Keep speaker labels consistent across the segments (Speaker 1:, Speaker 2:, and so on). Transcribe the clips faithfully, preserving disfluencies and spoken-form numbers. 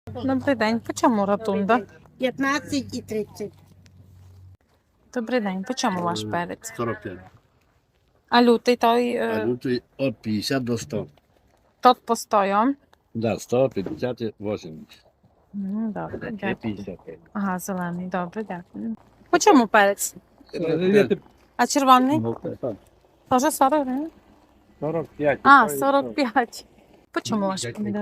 Speaker 1: Добрий день. По чому ротунда?
Speaker 2: п'ятнадцять і тридцять.
Speaker 1: Добрий день. По чому ваш перець?
Speaker 3: сорок п'ять.
Speaker 1: А лютий той
Speaker 3: А
Speaker 1: е,
Speaker 3: лютий від п'ятдесят до ста.
Speaker 1: тот постою.
Speaker 3: Да, сто п'ятдесят і вісімдесят.
Speaker 1: М, Добре,
Speaker 3: І
Speaker 1: дякую.
Speaker 3: п'ятдесят п'ять.
Speaker 1: Ага, зелений. Добре, дякую. По чому перець? А червоний? Теж сорок гривень?
Speaker 3: сорок п'ять.
Speaker 1: А, сорок п'ять. По чому ваш помідор?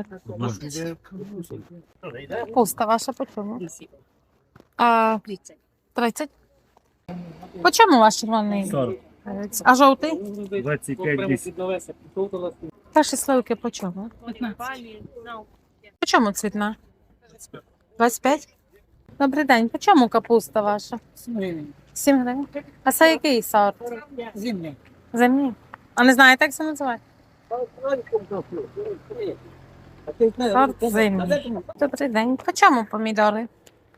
Speaker 1: Капуста ваша по чому? А, тридцять. По чому ваш червоний перець? А жовтий?
Speaker 3: двадцять п'ять десять.
Speaker 1: Ваші сливки по чому? По чому цвітна? двадцять п'ять? Добрий день. По чому капуста ваша? сім гривень. А це який сорт?
Speaker 2: Зимня.
Speaker 1: Зимній. А не знаєте, як це називає? Сорт зимній. Добрий день. По чому помідори?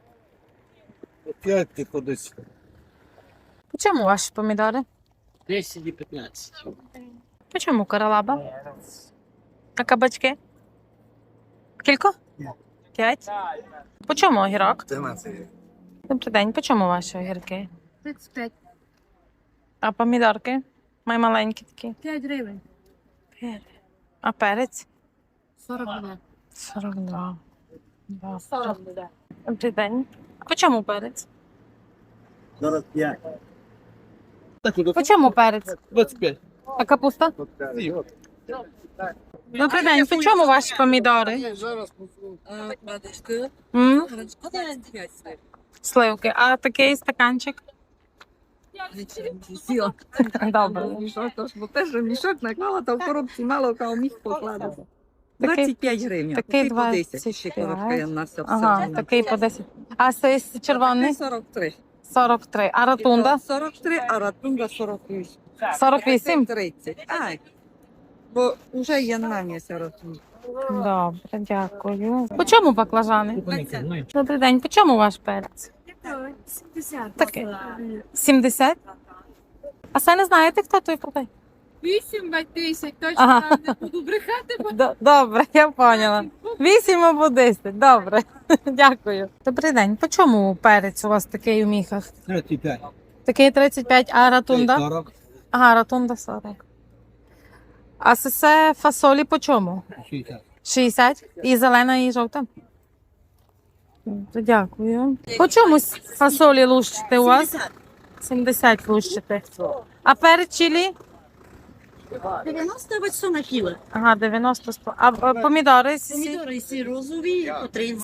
Speaker 3: п'ять ти кудись.
Speaker 1: По чому ваші помідори?
Speaker 2: десять і п'ятнадцять.
Speaker 1: По чому королаба? А кабачки? Кілько? П'ять. По чому огірок? Добрий день. По чому ваші огірки?
Speaker 4: тридцять п'ять.
Speaker 1: А помідорки? Май маленькі такі.
Speaker 4: п'ять гривень.
Speaker 1: А перець?
Speaker 4: сорок два.
Speaker 1: сорок два. Да.
Speaker 4: сорок буде.
Speaker 1: Добрий день. По чому перець?
Speaker 3: сорок п'ять.
Speaker 1: По чому перець?
Speaker 3: двадцять п'ять.
Speaker 1: А капуста? Добрий день. По чому ваші помідори? М? Сливки. А такий стаканчик? Добре.
Speaker 5: Мішок, тож, бо теж мішок наклала, та в коробці мало кого міг покладати.
Speaker 1: Такий-
Speaker 5: двадцять п'ять гривень,
Speaker 1: такий
Speaker 5: такий по десять,
Speaker 1: двадцять
Speaker 5: ще
Speaker 1: п'ять.
Speaker 5: коробка є на все.
Speaker 1: Ага, такий по десять. А цей червоний?
Speaker 5: сорок три.
Speaker 1: сорок три. А ротунда?
Speaker 5: сорок три, а ратунда сорок вісім.
Speaker 1: сорок вісім?
Speaker 5: тридцять. Ай, бо вже є на місці ротунда.
Speaker 1: Добре, дякую. По чому баклажани? Добрий день. По чому ваш перець?
Speaker 4: сімдесят.
Speaker 1: Такий. сімдесят? А це не знаєте, хто той продає?
Speaker 4: вісім тисяч, точно
Speaker 1: Ага.
Speaker 4: не буду брехати, бо
Speaker 1: Д- Добре, я поняла. Вісім або десять. Добре. Дякую. Добрий день. По чому перець у вас такий у міхах?
Speaker 3: тридцять п'ять.
Speaker 1: Такий тридцять п'ять, а ратунда?
Speaker 3: сорок.
Speaker 1: Ага, ратунда сорок. А це все фасолі по чому?
Speaker 3: шістдесят.
Speaker 1: шістдесят. І зелена, і жовта? Добре, дякую. По чому с- фасолі лущите у вас? сімдесят лущите. А перець чилі?
Speaker 2: дев'яносто сто на кіло.
Speaker 1: Ага, дев'яносто сто. А а помідори? сі-
Speaker 2: Помідори всі розові по тридцять.